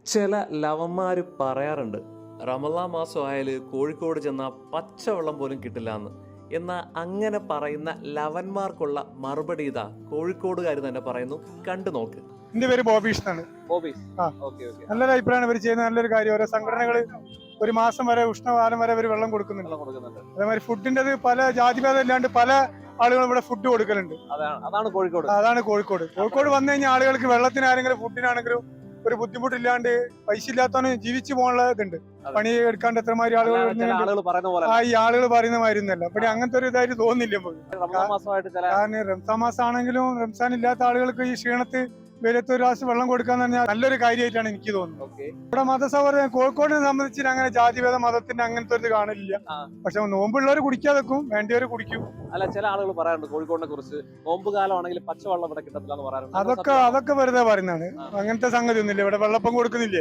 ചില ലവന്മാർ പറയാറുണ്ട് റമളാൻ മാസം ആയാൽ കോഴിക്കോട് ചെന്നാൽ പച്ചവെള്ളം പോലും കിട്ടില്ല എന്ന്. എന്നാൽ അങ്ങനെ പറയുന്ന ലവന്മാർക്കുള്ള മറുപടി ഇതാ കോഴിക്കോടുകാർ തന്നെ പറയുന്നു. കണ്ടു നോക്ക്. എന്റെ പേര് ബോബീഷ് എന്നാണ്. നല്ലൊരു അഭിപ്രായമാണ് ഇവർ ചെയ്യുന്ന നല്ലൊരു കാര്യം. ഓരോ സംഘടനകൾ ഒരു മാസം വരെ ഉഷ്ണകാലം വരെ ഇവർ വെള്ളം കൊടുക്കുന്നുണ്ട്. അതേമാതിരി ഫുഡിന്റെ പല ജാതിഭേദം ഇല്ലാണ്ട് പല ആളുകളും ഇവിടെ ഫുഡ് കൊടുക്കലുണ്ട്. അതാണ് കോഴിക്കോട് വന്നു കഴിഞ്ഞാൽ ആളുകൾക്ക് വെള്ളത്തിനാണെങ്കിലും ഫുഡിനാണെങ്കിലും ഒരു ബുദ്ധിമുട്ടില്ലാണ്ട് പൈസ ഇല്ലാത്തവന് ജീവിച്ചു പോകാനുള്ള ഇതുണ്ട്. പണി എടുക്കാണ്ട് എത്രമാതിരി ആളുകൾ ഈ ആളുകൾ പറയുന്ന മാതിരി ഒന്നല്ല. ഇവിടെ അങ്ങനത്തെ ഒരു ഇതായിട്ട് തോന്നുന്നില്ല കാരണം റംസാൻ മാസം ആണെങ്കിലും റംസാൻ ഇല്ലാത്ത ആളുകൾക്ക് ഈ ക്ഷീണത്ത് വെയിലത്ത് ഒരു ഗ്ലാസ് വെള്ളം കൊടുക്കാന്ന് പറഞ്ഞാൽ നല്ലൊരു കാര്യമായിട്ടാണ് എനിക്ക് തോന്നുന്നത്. ഇവിടെ മതസൗഹാർദ്ദം കോഴിക്കോടിനെ സംബന്ധിച്ച് അങ്ങനെ ജാതിഭേദ മതത്തിന്റെ അങ്ങനത്തെ ഒരു കാണില്ല. പക്ഷെ നോമ്പുള്ളവർ കുടിക്കാതെ വെക്കും, വേണ്ടിയവർ കുടിക്കും. അല്ല, ചില ആളുകൾ പറയാറുണ്ട് കോഴിക്കോടിനെ കുറിച്ച് നോമ്പ് കാലമാണെങ്കിൽ പച്ചവെള്ളം ഇവിടെ കിട്ടത്തില്ല എന്ന് പറയാറുണ്ട്. അതൊക്കെ വെറുതെ പറയുന്നതാണ്. അങ്ങനത്തെ സംഗതി ഒന്നുമില്ല. ഇവിടെ വെള്ളപ്പം കൊടുക്കുന്നില്ലേ,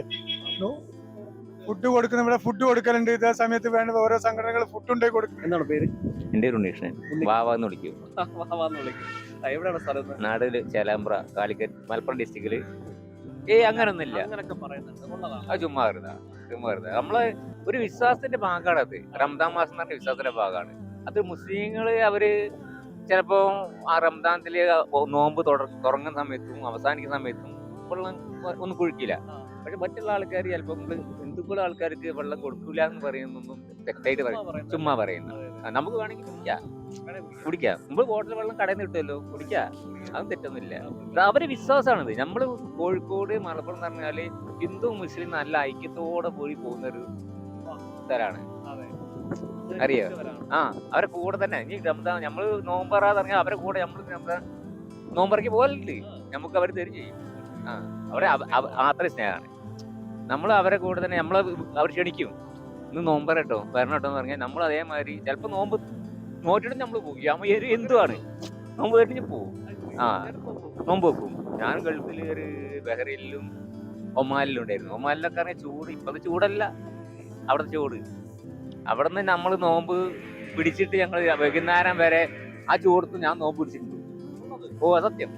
ഫുഡ് കൊടുക്കുന്ന ഇവിടെ ഫുഡ് കൊടുക്കലുണ്ട്. ഇതേ സമയത്ത് വേണ്ട ഓരോ സംഘടനകൾ ഫുഡ് ഉണ്ടായി കൊടുക്കും. എന്താണ് പേര്? എന്റെ ഒരു ഉണ്ണീഷൻ വാവാന്ന് വിളിക്കും. എവിടെയാണ് സ്ഥലം? നാടില് ചേലാമ്പ്ര, കാലിക്കറ്റ്, മലപ്പുറം ഡിസ്ട്രിക്റ്റില്. അങ്ങനൊന്നുമില്ല. അത് ചുമ്മാ വരുന്നത് നമ്മള് ഒരു വിശ്വാസത്തിന്റെ ഭാഗമാണ്. അത് റംദാൻ മാസം എന്ന് പറഞ്ഞ വിശ്വാസത്തിന്റെ ഭാഗമാണ്. അത് മുസ്ലിങ്ങള് അവര് ചിലപ്പോ ആ റംദാനത്തില് നോമ്പ് തുടങ്ങുന്ന സമയത്തും അവസാനിക്കുന്ന സമയത്തും വെള്ളം ഒന്നും കുഴിക്കില്ല. പക്ഷെ മറ്റുള്ള ആൾക്കാർ ചിലപ്പോൾ ഹിന്ദുക്കളുടെ ആൾക്കാർക്ക് വെള്ളം കൊടുക്കൂല എന്ന് പറയുന്നൊന്നും തെറ്റായിട്ട് പറയും, ചുമ്മാ പറയുന്നു. നമുക്ക് വേണമെങ്കിൽ കുടിക്കാം. നമ്മൾ ബോട്ടിൽ വെള്ളം കടയിൽ നിന്ന് കിട്ടുമല്ലോ, കുടിക്കാം. അതും തെറ്റൊന്നുമില്ല. അവരെ വിശ്വാസമാണിത്. നമ്മൾ കോഴിക്കോട് മലപ്പുറം എന്ന് പറഞ്ഞാല് ഹിന്ദു മുസ്ലിം നല്ല ഐക്യത്തോടെ പോയി പോകുന്നൊരു സ്ഥലമാണ്. അറിയോ? അവരെ കൂടെ തന്നെ ഇനി റംദാൻ നമ്മള് നോമ്പറാന്ന് പറഞ്ഞാൽ അവരെ കൂടെ നമ്മള് നോമ്പറയ്ക്ക് പോകലുണ്ട്. നമുക്ക് അവർ തരും ചെയ്യും. അവരെ അത്രയും സ്നേഹമാണ്. നമ്മൾ അവരെ കൂടെ തന്നെ നമ്മളെ അവർ ക്ഷണിക്കും. ഇന്ന് നോമ്പറട്ടോ വരണം കേട്ടോ എന്ന് പറഞ്ഞാൽ നമ്മൾ അതേമാതിരി ചിലപ്പോൾ നോമ്പ് നോറ്റിട്ട് നമ്മൾ പോകും. എന്തുവാണ് നോമ്പ് കഴിഞ്ഞ് പോവും. നോമ്പ് വെക്കും. ഞാൻ ഗൾഫിൽ ഒരു ബഹ്റൈനിലും ഒമാനിലും ഉണ്ടായിരുന്നു. ഒമാനിലൊക്കെ അറിയാം ചൂട്. ഇപ്പത് ചൂടല്ല, അവിടുത്തെ ചൂട്. അവിടെ നിന്ന് നമ്മൾ നോമ്പ് പിടിച്ചിട്ട് ഞങ്ങൾ വൈകുന്നേരം വരെ ആ ചൂടത്ത് ഞാൻ നോമ്പ് പിടിച്ചിട്ടുണ്ട്. സത്യമായിട്ട്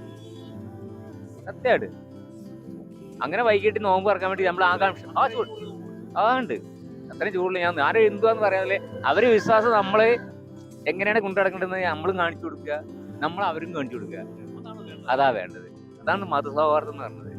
അങ്ങനെ വൈകിട്ട് നോമ്പ് ഇറക്കാൻ വേണ്ടി നമ്മൾ ആകാംക്ഷ ചൂട് അതുണ്ട്. അത്രയും ചൂടിൽ ഞാൻ ആരും എന്തുവാന്ന് പറയാതെ അവര് വിശ്വാസം നമ്മള് എങ്ങനെയാണ് കൊണ്ടുനടക്കേണ്ടത് നമ്മളും കാണിച്ചു കൊടുക്കുക, നമ്മൾ അവരും കാണിച്ചു കൊടുക്കുക. അതാ വേണ്ടത്. അതാണ് മതസൗഹാർദ്ദം എന്ന് പറഞ്ഞത്.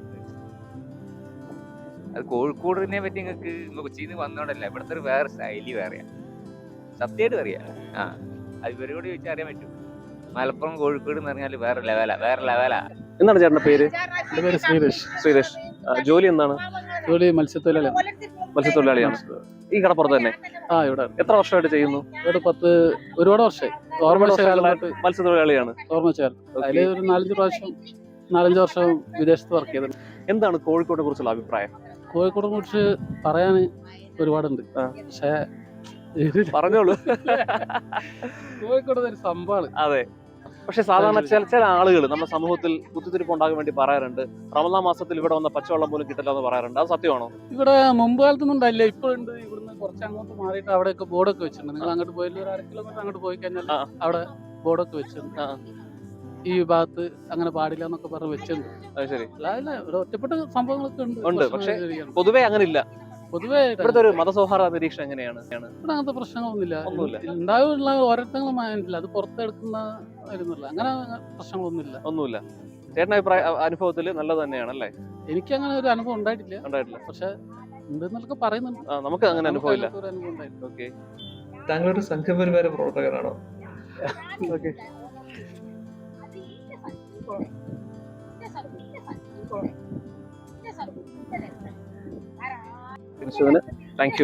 അത് കോഴിക്കോടിനെ പറ്റി നിങ്ങൾക്ക് കൊച്ചിയിൽ നിന്ന് വന്നോണ്ടല്ല, ഇവിടുത്തെ ഒരു വേറെ ശൈലി വേറെയാ. സത്യമായിട്ട് അറിയാം. അത് ഇവരോട് ചോദിച്ചാൽ അറിയാൻ പറ്റും. മലപ്പുറം കോഴിക്കോട് എന്ന് പറഞ്ഞാൽ വേറെ ലെവലാ. എന്താണ് ചേട്ടന്റെ പേര്? എന്റെ പേര് ശ്രീരേഷ്. ജോലി എന്താണ്? ജോലി മത്സ്യത്തൊഴിലാളിയാണ്. ഈ കടപ്പുറത്ത് തന്നെ? ഇവിടെ. എത്ര വർഷമായിട്ട് ചെയ്യുന്നു? ഇവിടെ ഒരുപാട് വർഷമായി. മത്സ്യത്തൊഴിലാളിയാണ്. അതില് ഒരു 4-5 വർഷം വിദേശത്ത് വർക്ക് ചെയ്തത്. എന്താണ് കോഴിക്കോടിനെ കുറിച്ചുള്ള അഭിപ്രായം? കോഴിക്കോടിനെ കുറിച്ച് പറയാൻ ഒരുപാടുണ്ട്. പക്ഷേ പറഞ്ഞോളൂ. കോഴിക്കോട് ഒരു സംഭവമാണ്. അതെ. പക്ഷെ സാധാരണ ചില ആളുകൾ നമ്മുടെ സമൂഹത്തിൽ കുത്തിത്തിരിപ്പ് ഉണ്ടാകാൻ വേണ്ടി പറയാറുണ്ട്, റമളാൻ മാസത്തിൽ ഇവിടെ വന്ന പച്ചവെള്ളം പോലും കിട്ടില്ല എന്ന് പറയാറുണ്ട്. അത് സത്യമാണോ? ഇവിടെ മുമ്പ് കാലത്തൊന്നും ഉണ്ടായില്ല, ഇപ്പോഴുണ്ട്. ഇവിടുന്ന് കുറച്ച് അങ്ങോട്ട് മാറിയിട്ട് അവിടെയൊക്കെ ബോർഡൊക്കെ വെച്ചിട്ടുണ്ട്. നിങ്ങൾ അങ്ങോട്ട് പോയില്ല, ഒരു 1/2 കിലോമീറ്റർ അങ്ങോട്ട് പോയി കഴിഞ്ഞാൽ അവിടെ ബോർഡൊക്കെ വെച്ചിട്ടുണ്ട്. ഈ ഭാഗത്ത് അങ്ങനെ പാടില്ല എന്നൊക്കെ പറഞ്ഞ് വെച്ചിട്ടുണ്ട്. അത് ശരി. അല്ല, ഇവിടെ ഒറ്റപ്പെട്ട സംഭവങ്ങളൊക്കെ ഉണ്ട്. പക്ഷെ പൊതുവെ അങ്ങനെ ഇല്ല. പൊതുവെ ഇവിടുത്തെ ഒരു മതസൗഹാർദ്ദ നിരീക്ഷണം എങ്ങനെയാണ്? ഇവിടെ അങ്ങനത്തെ പ്രശ്നങ്ങളൊന്നുമില്ല. ഉണ്ടാവുള്ള ഓരോരുത്തങ്ങളും മൈൻഡില്ല, അത് പുറത്തെടുക്കുന്ന അങ്ങനെ പ്രശ്നങ്ങളൊന്നുമില്ല. ചേട്ടൻ അനുഭവത്തിൽ നല്ലത് തന്നെയാണല്ലേ? എനിക്ക് അങ്ങനെ ഒരു അനുഭവം ഉണ്ടായിട്ടില്ല. പക്ഷെ ഉണ്ടെന്നൊക്കെ പറയുന്നുണ്ട്. നമുക്ക് അങ്ങനെ അനുഭവം ഇല്ല. ഓക്കെ. താങ്കളൊരു സംഘപരിവാര പ്രവർത്തകനാണോ? ഓക്കെ. Thank you.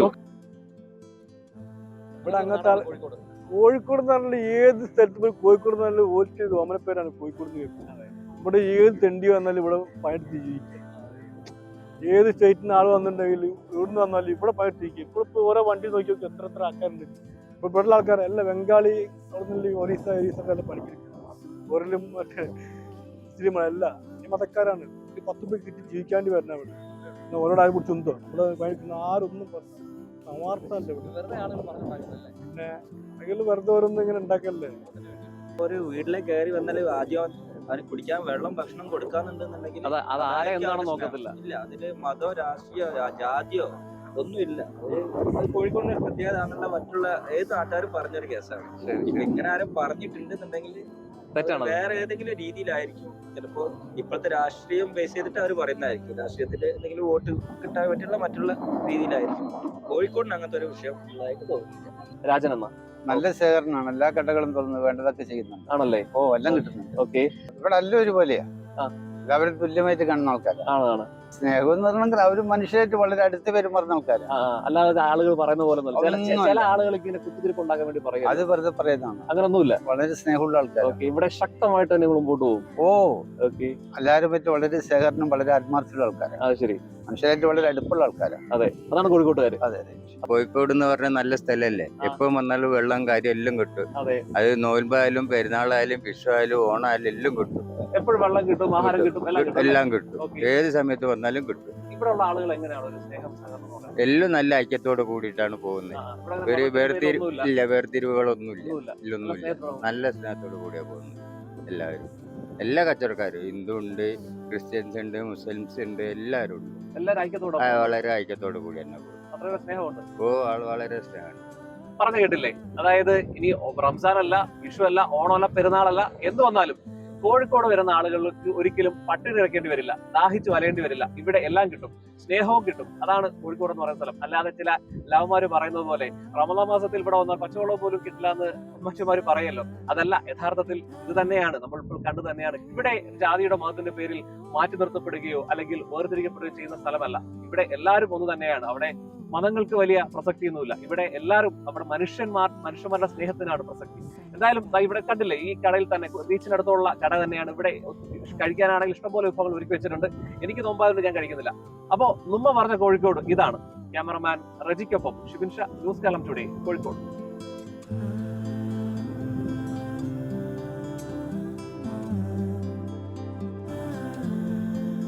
ഇവിടെ അങ്ങനത്തെ കോഴിക്കോട് എന്ന് പറഞ്ഞാൽ ഏത് സ്ഥലത്ത് പോയി കോഴിക്കോട് എന്ന് പറഞ്ഞാൽ ഓൽക്ക് ഓമനപ്പേരാണ് കോഴിക്കോട് കേൾക്കുന്നത്. ഇവിടെ ഏത് തെണ്ടി വന്നാലും ഇവിടെ പണിയെടുത്ത് ജീവിക്കുക. ഏത് സ്റ്റേറ്റിൽ നിന്ന് ആൾ വന്നിട്ടുണ്ടെങ്കിലും ഇവിടുന്ന് വന്നാലും ഇവിടെ പണിയെടുത്ത് ജീവിക്കുക. ഇപ്പോൾ ഓരോ വണ്ടി നോക്കി നോക്കി എത്ര ആൾക്കാരുണ്ട്. ഇപ്പോൾ ഇവിടെയുള്ള ആൾക്കാർ എല്ലാം ബംഗാളി, അവിടെ നിന്ന് ഒറീസൊക്കെ എല്ലാം പണിക്കെടുക്കുക. ഒരിലും മറ്റേ മുസ്ലിമല്ല, ഈ മതക്കാരാണ്. 10 രൂപ കിട്ടി ജീവിക്കാണ്ടി വരണ ഇവിടെ. ഓരോട് ആരെ കുറിച്ച് ഉണ്ടോ ഇവിടെ പണിക്കുന്ന ആരൊന്നും സമാർത്ഥമല്ല ഇവിടെ. പിന്നെ വെറുതെ ഓരോന്നും ഇങ്ങനെ ഉണ്ടാക്കല്ലേ. ഒരു വീട്ടിലേക്ക് കയറി വന്നാൽ ആദ്യം അവന് കുടിക്കാൻ വെള്ളം ഭക്ഷണം കൊടുക്കാന്നുണ്ടെന്നുണ്ടെങ്കിൽ അത് ആരെ അതായിരിക്കും എന്താണെന്ന് അവരുടെ നോക്കത്തില്ല. സ്നേഹം. ഇല്ല, അതില് മതമോ രാഷ്ട്രീയോ ജാതിയോ ഒന്നുമില്ല. അത് കോഴിക്കോടിന്റെ ഒരു പ്രത്യേകത ആണെന്നുള്ള മറ്റുള്ള ഏത് നാട്ടുകാരും പറഞ്ഞൊരു കേസാണ്. ഇപ്പൊ ഇങ്ങനെ ആരും പറഞ്ഞിട്ടുണ്ടെന്നുണ്ടെങ്കിൽ തെറ്റാണത്. വേറെ ഏതെങ്കിലും രീതിയിലായിരിക്കും. ചിലപ്പോ ഇപ്പോഴത്തെ രാഷ്ട്രീയം ബേസ് ചെയ്തിട്ട് അവർ പറയുന്നതായിരിക്കും. രാഷ്ട്രീയത്തിൽ എന്തെങ്കിലും വോട്ട് കിട്ടാൻ പറ്റുള്ള മറ്റുള്ള രീതിയിലായിരിക്കും. കോഴിക്കോടിന് അങ്ങനത്തെ ഒരു വിഷയം ഉള്ളതായിട്ട് തോന്നുന്നു. രാജൻ എന്നാ നല്ല ശേഖരണമാണ്. എല്ലാ കടകളും തുറന്ന് വേണ്ടതൊക്കെ ചെയ്യുന്നുണ്ട്. ആണല്ലേ? ഓ, എല്ലാം കിട്ടുന്നുണ്ട്. ഓക്കെ. ഇവിടെ എല്ലാം ഒരുപോലെയാ. ആ. എല്ലാവരും തുല്യമായിട്ട് കാണുന്ന ആൾക്കാരാണ്. ആണ്. സ്നേഹം എന്ന് പറഞ്ഞെങ്കിൽ അവര് മനുഷ്യരായിട്ട് വളരെ അടുത്ത് പെരുമാറുന്ന ആൾക്കാരാണ്. അല്ലാതെ ആളുകൾ പറയുന്ന പോലെ ഒന്നുമില്ല. ചില ഒന്നുമല്ല. ആളുകൾക്ക് ഇങ്ങനെ കുത്തിരിപ്പ് ഉണ്ടാക്കാൻ വേണ്ടി പറയും. അത് വെറുതെ പറയുന്നതാണ്. അങ്ങനൊന്നുമില്ല. വളരെ സ്നേഹമുള്ള ആൾക്കാർ. ഓക്കെ. ഇവിടെ ശക്തമായിട്ട് തന്നെ മുമ്പോട്ട് പോകും. Oh, okay. എല്ലാവരും പറ്റി വളരെ ശേഖരണം, വളരെ ആത്മാർത്ഥമുള്ള ആൾക്കാരാണ്. അത് ശരി. മനുഷ്യരായിട്ട് വളരെ അടുപ്പുള്ള ആൾക്കാരാണ്. അതെ, അതാണ് കോഴിക്കോട്ടുകാര്. അതെ അതെ. കോഴിക്കോട് എന്ന് പറഞ്ഞാൽ നല്ല സ്ഥലല്ലേ. എപ്പം വന്നാലും വെള്ളം കാര്യം എല്ലാം കിട്ടും. അതെ. അത് നോയമ്പായാലും പെരുന്നാളായാലും വിഷുവായാലും ഓണായാലും എല്ലാം കിട്ടും. എപ്പോഴും വെള്ളം കിട്ടും, ആഹാരം കിട്ടും, എല്ലാം കിട്ടും. എല്ലാം കിട്ടും. ഓക്കെ. ഏത് സമയത്ത് വന്നാലും കിട്ടും. ഇവിടെ ഉള്ള ആളുകൾ എങ്ങനെയാണ് ഒരു സ്നേഹം സഹകരണം ഉള്ളത്? എല്ലാം നല്ല ഐക്യത്തോട് കൂടിയിട്ടാണ് പോകുന്നത്. ഇവിടെ ഒരു ഒന്നുമില്ല. ഇല്ല, വേർതിരിവുകളൊന്നുമില്ല. ഒന്നുമില്ല. ഇല്ലൊന്നുമില്ല. സ്നേഹത്തോടെ നല്ല സ്നേഹത്തോട് കൂടിയാണ് പോകുന്നത് എല്ലാവരും. എല്ലാ കച്ചവടക്കാരും, ഹിന്ദു ഉണ്ട്, ക്രിസ്ത്യൻസ് ഉണ്ട്, മുസ്ലിംസ് ഉണ്ട്, എല്ലാവരും ഉണ്ട്. എല്ലാവരും ഐക്യത്തോടെ വളരെ ഐക്യത്തോട് കൂടി തന്നെ പോകും. അത്രയും സ്നേഹമുണ്ട്. ഓ, ആള് വളരെ സ്നേഹമാണ്. പറഞ്ഞു കേട്ടില്ലേ? അതായത് ഇനി റംസാൻ അല്ല, വിഷു അല്ല, ഓണമല്ല, പെരുന്നാളല്ല, എന്ത് വന്നാലും കോഴിക്കോട് വരുന്ന ആളുകൾക്ക് ഒരിക്കലും പട്ടിണി കിടക്കേണ്ടി വരില്ല, ദാഹിച്ചു വലയേണ്ടി വരില്ല. ഇവിടെ എല്ലാം കിട്ടും, സ്നേഹവും കിട്ടും. അതാണ് കോഴിക്കോട് എന്ന് പറയുന്ന സ്ഥലം. അല്ലാതെ ചില ലവന്മാര് പറയുന്നത് പോലെ റമദാൻ മാസത്തിൽ ഇവിടെ വന്നാൽ പച്ചവെള്ളം പോലും കിട്ടില്ല എന്ന് മറ്റുമാര് പറയല്ലോ. അതല്ല, യഥാർത്ഥത്തിൽ ഇത് തന്നെയാണ് നമ്മൾ ഇപ്പോൾ കണ്ടു തന്നെയാണ്. ഇവിടെ ജാതിയുടെ മതത്തിന്റെ പേരിൽ മാറ്റി നിർത്തപ്പെടുകയോ അല്ലെങ്കിൽ വേർതിരിക്കപ്പെടുകയോ ചെയ്യുന്ന സ്ഥലമല്ല. ഇവിടെ എല്ലാവരും ഒന്ന് തന്നെയാണ്. അവിടെ മതങ്ങൾക്ക് വലിയ പ്രസക്തിയൊന്നുമില്ല. ഇവിടെ എല്ലാവരും നമ്മുടെ മനുഷ്യന്മാരുടെ സ്നേഹത്തിനാണ് പ്രസക്തി. എന്തായാലും ഇവിടെ കണ്ടില്ലേ, ഈ കടയിൽ തന്നെ ബീച്ചിനടുത്തുള്ള കട തന്നെയാണ്. ഇവിടെ കഴിക്കാനാണെങ്കിൽ ഇഷ്ടംപോലെ വിഭവങ്ങൾ ഒരുക്കി വെച്ചിട്ടുണ്ട്. എനിക്ക് നോമ്പായതുകൊണ്ട് ഞാൻ കഴിക്കുന്നില്ല. അപ്പോ നുമ്മ പറഞ്ഞ കോഴിക്കോട് ഇതാണ്. ക്യാമറമാൻ റജിക്കൊപ്പം ഷിബിൻ ഷാ, ന്യൂസ് കാലം ടുഡേ, കോഴിക്കോട്.